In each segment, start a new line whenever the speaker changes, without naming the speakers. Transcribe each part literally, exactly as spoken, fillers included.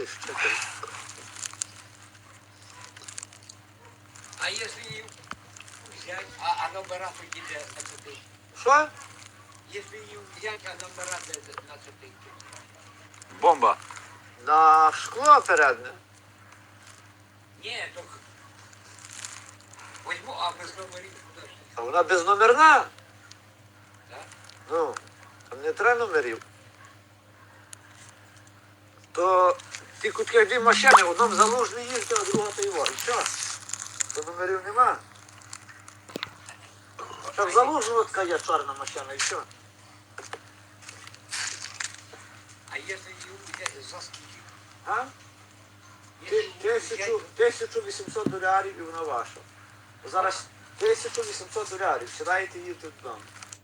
Слышь, чекай.
А если їм взять, а, а номера тоді де на цепи?
Що?
Если їм взять, а номера де де на цепи?
Бомба.
На шкло передне.
Ні, то возьму, а без номерів куди ж?
А вона безномерна.
Так?
Ну, там не треба номерів. То ті кутки дві машини, в одному залужний їздить, а друга то його. І що? То номерів нема. Там залужного така є чорна машина, і що?
А если їм взять за скільки?
А?
Якщо
Ти-
їм
Тисячу,
взять-
тисячу вісімсот долярів і вона ваша. Зараз тисячу вісімсот долярів. Сідаєте і їдете додому.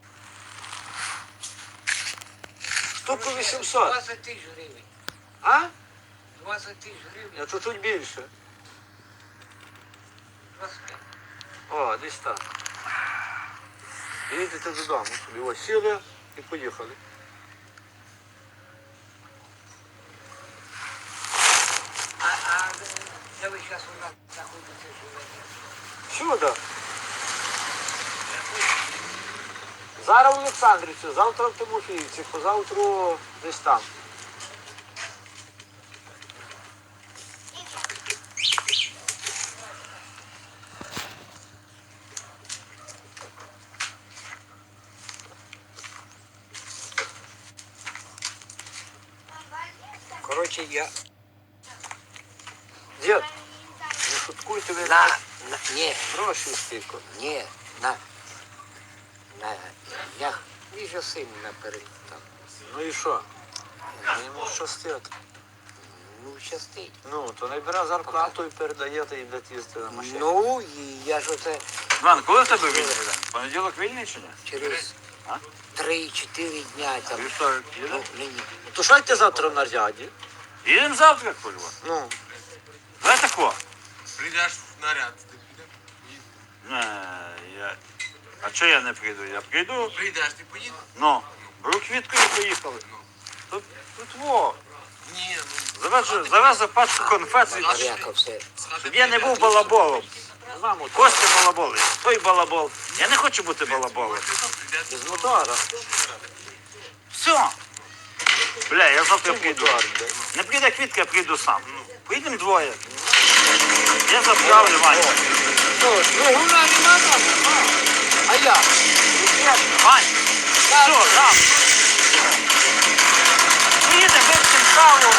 Штуку вісімсот.
двадцять тисяч гривень.
А?
двадцять тисяч гривень.
Я чуть-чуть більше.
двадцять п'ять.
О, десь так. І їдете додому собі. Ось сіли і поїхали.
А, а де ви зараз у нас знаходитеся живете?
Сюди. Зараз в Олександрівці, завтра в Тимофіївці, позавтра десь там.
Коротше, я
Дід, не шуткуйте ви
на, на ні,
гроші стільки.
ні, на, на, я віжу син наперед там.
Ну і що? Ну, йому щастить.
Ну, щастить.
Ну, то не бере зарплату і передаєте і будете їздити на машині.
Ну, і я ж оце
Іван, коли в тебе вільний день? Понеділок вільний чи ні?
через
А?
три-чотири дня там.
Вівторок
Ну,
їде?
нині.
То що йти завтра в наряді?
Їдемо завтра, курва.
Ну,
Давай тако.
Прийдеш в наряд, ти підеш?
Не, я... А чого я не прийду? Я прийду,
Прийдеш, ти поїдеш?
ну, беру квітку і поїхали. Тут, тут во.
Ні, ну,
Завезу, завезу пачку конфет, і-
Як все.
щоб я не був балаболом.
мамо,
Костя балабол, той балабол. Я не хочу бути балаболом.
без мотора.
Все. Бля, я завтра
Без
прийду.
мотора, бля.
Не прийде квітка, я прийду сам. Поїдемо двоє. Я заправлю Ваню.
Ну, двигуна нема там, нема. А я?
Вань, все, там. Поїдемо, вип'ємо каву.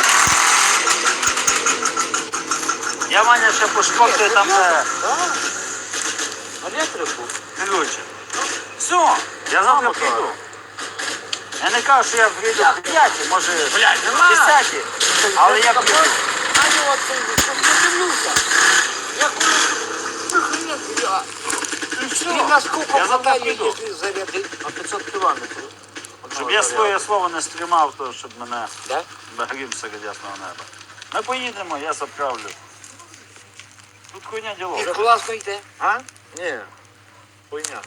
Я Ваня ще пошкоджую там, де
Електрику?
ключі. Все, я завтра
Мамо,
прийду. Я не кажу, що я прийду в п'яті, може в
нема.
десяті, але я прийду.
А я от подивлюся. Як воно я. Він на скільки
Я завтра
хватає,
піду.
якщо зарядить.
На п'ятсот кілометрів.
Щоб я своє слово не стримав, то щоб мене
Да?
багрів серед ясного неба. Ми поїдемо, я заправлю. Тут хуйня
І
діло.
класно йде.
А? Ні. Хуйня.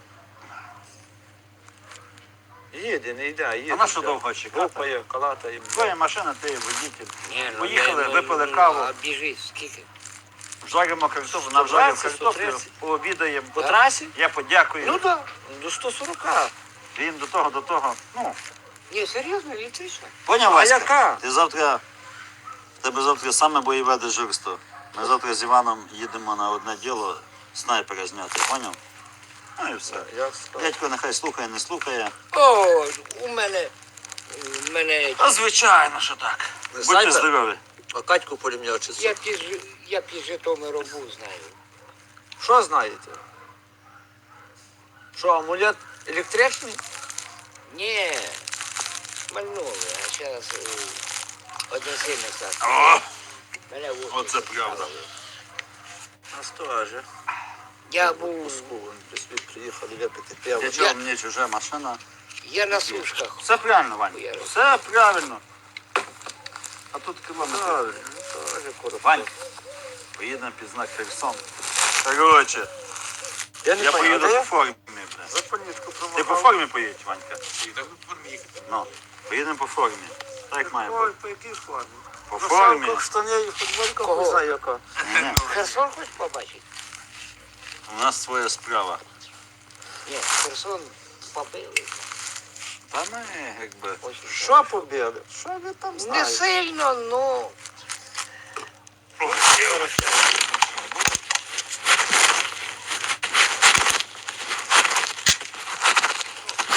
Їде, не йде, а їде.
А на що довго чекати?
Гупає, калатає.
Твоя машина, ти водитель.
Ні, ну,
Поїхали,
не- не-
випили
ну,
каву.
А біжи, скільки?
Жаримо картоплю, навжарив
сто двадцять,
картоплю,
сто тридцять.
пообідаємо.
По трасі?
Я подякую.
Ну так, до сто сорок.
Він до того, до того. Ну,
Ні, серйозно, електрично.
поняв,
А
Васька?
яка?
Ти завтра, в тебе завтра саме бойове дежурство. Ми завтра з Іваном їдемо на одне діло снайпера зняти, поняв? Ну і все.
Я встав.
Дядько нехай слухає, не слухає.
О, у мене, у мене,
А звичайно, що так. Будьте
Снайпер?
здорові.
А Катьку пулемет чи
я піз, я піз Житомиру був, знаю.
Що знаєте? Що, амулет електричний?
Ні, мальнули, а зараз один сильний став.
О,
Мене в офісі
Оце правда.
ставили.
Нас теж.
Я
В
був,
Москву вони приїхали випити пиво.
для чого мені чужа машина?
я на сушках.
Все правильно, Вань.
Я-
Все правильно. А тут кілометр.
Правильно, теж коробка.
Вань, поїдемо під знак Херсон. Короче,
Я не
я
понял,
поїду
де
по
я?
формі, бля.
За політку
Ти по
промагав.
формі поїдь, Ванька.
і так в формі їхати.
Ну, поїдемо по формі. Так як має бути.
Ой, по якій формі?
По
Ну,
формі.
сам в штані і футболка,
Кого?
хуй знає яка.
Ні,
Херсон хочеш побачити?
у нас своя справа.
Ні, Херсон побили.
Та ми, якби.
Очень
Що побіли? Що ви там
Не
знаєте?
сильно, ну.
О,